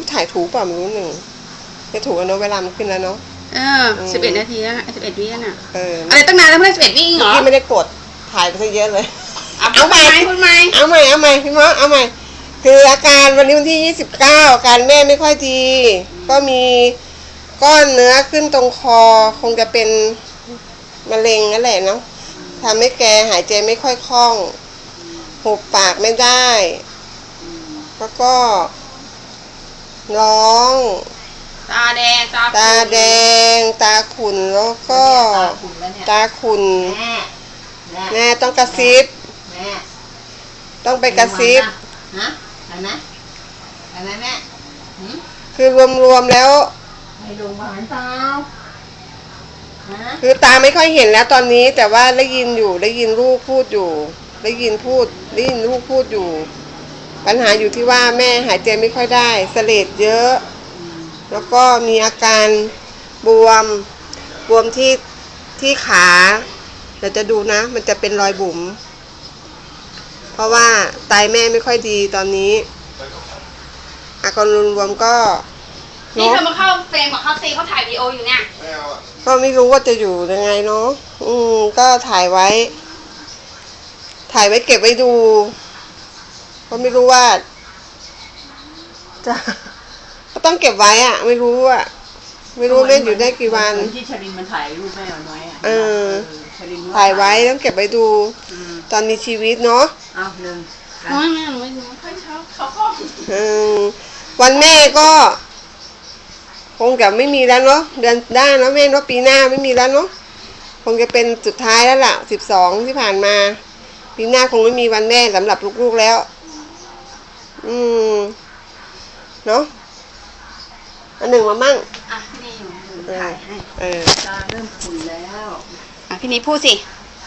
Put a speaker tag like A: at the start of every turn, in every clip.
A: ถ่ายถูกเปล่าไม่รู้หนึ่งจะถูกแล้วเนาะเวลามันขึ้นแล้วเนาะ
B: 11 นาทีแล้ว11 วิน่ะ
A: อะ
B: ไรตั้งนานแล้วเพื่อน11 วิเหรอ
A: พี่ไม่ได้กดถ่ายไปซะเยอะเลย
B: เอาใหม่คุณใหม่
A: เอาใหม่พี่มอเอาใหม่คืออาการวันนี้วันที่29อาการแม่ไม่ค่อยดีก็มีก้อนเนื้อขึ้นตรงคอคงจะเป็นมะเร็งนั่นแหละเนาะทำให้แกหายใจไม่ค่อยคล่องหุบปากไม่ได้แล้วก็ร้อง
B: ตาแดง
A: ตาขุ่นแล้วก็ตาขุ่นแม่ต้องกระซิบต้องไปกระซิบ
C: เห็นไหมแม่
A: คือรวมแล้ว
C: ไม่ลงมาหันเปล่า
A: คือตาไม่ค่อยเห็นแล้วตอนนี้แต่ว่าได้ยินอยู่ได้ยินลูกพูดอยู่ได้ยินลูกพูดอยู่ปัญหาอยู่ที่ว่าแม่หายใจไม่ค่อยได้เสลดเยอะแล้วก็มีอาการบวมที่ขาเดี๋ยวจะดูนะมันจะเป็นรอยบุ๋มเพราะว่าไตแม่ไม่ค่อยดีตอนนี้อาการรวมก็
B: นี่เธอมาเข้าเฟรมกับเขาซีเขาถ่ายวีดีโออยู่เนี่ย
A: ก็ไม่รู้ว่าจะอยู่ยังไงเนาะก็ถ่ายไว้เก็บไว้ดูก็ไม่รู้ว่าจะก็ต้องเก็บไว้อะไม่รู้แม่อยู่ได้กี่วัน
C: ที่ชลินมันถ่ายรูปแม่ไว้
A: ถ่ายไว้ต้องเก็บไว้ดูตอนมีชีวิตเนาะ
C: หนึ่ง
B: ไม่ค่อยชอบเขาก็
A: วันแม่ก็คงจะไม่มีแล้วเนาะเดือนหน้าเนาะแม่เนาะปีหน้าไม่มีแล้วเนาะคงจะเป็นสุดท้ายแล้วล่ะ12ที่ผ่านมาปีหน้าคงไม่มีวันแม่สำหรับลูกๆแล้วเนาะอันหนึ่งมามั่ง
B: นี่ถ่ายให้
C: ตาเริ่มขุ่นแล้ว
B: พี่นี้พูดสิ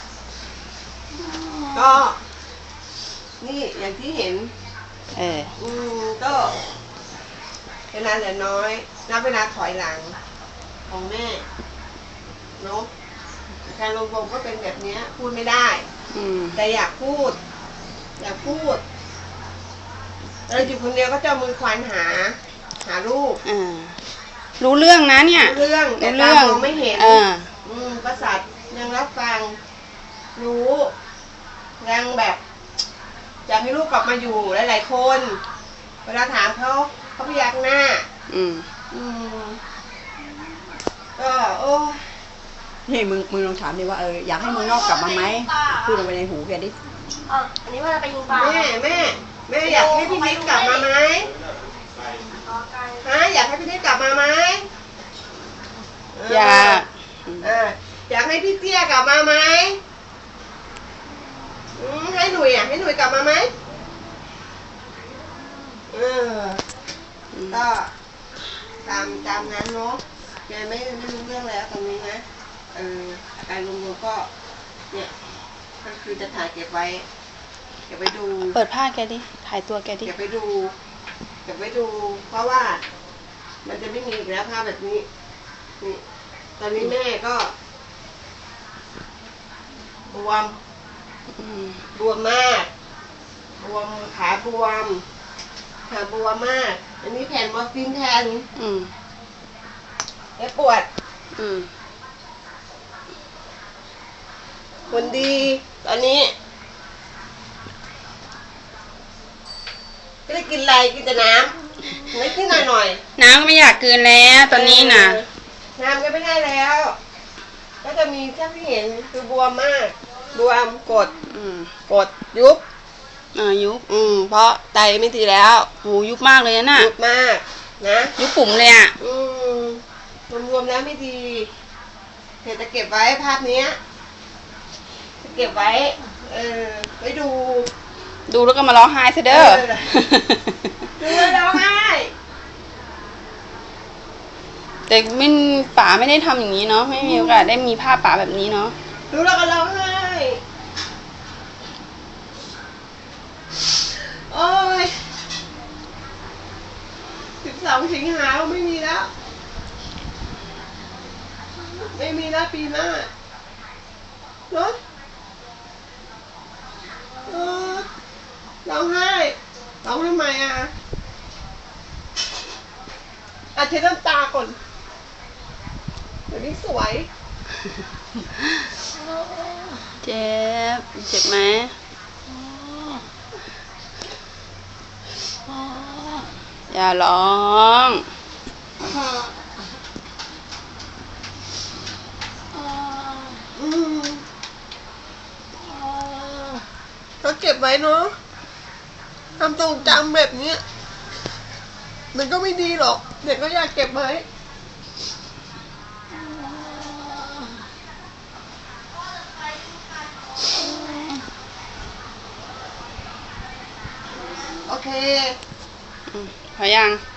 A: ก็นี่อย่างที่เห็นก็เวลาเหลือน้อยนับเวลาถอยหลังของแม่เนาะการลงวงก็เป็นแบบนี้พูดไม่ได้แต่อยากพูดเราอยู่คนเดียวก็จะมือควานหาลูก
B: รู้เรื่องนะเนี่ย
A: รู้เรื่องแต่ตามองไม่เห็นประสาทยังรับฟังรู้ยังแบบอยากให้ลูกกลับมาอยู่หลายๆคนเวลาถามเขาพยักหน้าก็โอ้
C: นี่มึงลองถามดิว่าอยากให้มึงนอกกลับมาไหมพูดลงไปในหูแกดิ
D: อันนี้ว่าจะไปยิงปลา
A: แม่อยากให้พี่นิดกลับมาไหมอยากให้พี่นิดกลับมาไหมอยากให้พี่เตี้ยกลับมาไหมให้หนุ่ยกลับมาไหมก็ตามนั้นเนาะแกไม่รู้เรื่องแล้วตรงนี้นะอาการรวมๆก็เนี่ยก็คือจะถ่ายเก็บไว้ดู
B: เปิดผ้าแกดิถ่ายตัวแกดิ
A: เก็บไว้ดูเพราะว่ามันจะไม่มีอีกแล้วภาพแบบนี้นี่ตอนนี้แม่ก็บวมมากขาบวมมากอันนี้แผ่นมอร์ฟีนแทนแล้วปวดคนดีตอนนี้ไม่ได้กินอะไรกินแต่น้ำนิดหน่อย
B: น้ำก็ไม่อยากกินแล้วตอนนี้น่ะ
A: น้ำก็ไม่ได้แล้วก็จะมีที่เห็นคือบวมมากบวมกดยุบเพราะไตไม่ดีแล้ว
B: หูยุบมากเลยนะ
A: ยุบมากนะ
B: ยุบปุ่มเลยอ่ะ
A: รวมแล้วไม่ดีเดี๋ยวจะเก็บไว้ภาพนี้จะเก็บไว้ไว้
B: ดูแล้วก็มาร้องไห้ซะเด้อ
A: ดูแล้วร้องไห้
B: แต่ป๋าไม่ได้ทำอย่างนี้เนาะไม่มีโอกาสได้มีภาพป๋าแบบนี้เนาะ
A: ดูแล้วก็ร้องไห้โอ้ย12 สิงหาคมไม่มีแล้วปีหน้าเนาะร้องไห้ร้องทำไมเช็ดน้ำตาก่อนเดี๋ยวนี้สวย
B: เจ็บ เจ็บไหมอย่าร้อง
A: อืมก็เก็บไว้เนาะทำทรงจำแบบเนี้ยมันก็ไม่ดีหรอกเด็กก็อยากเก็บไว้โอเค
B: พอยัง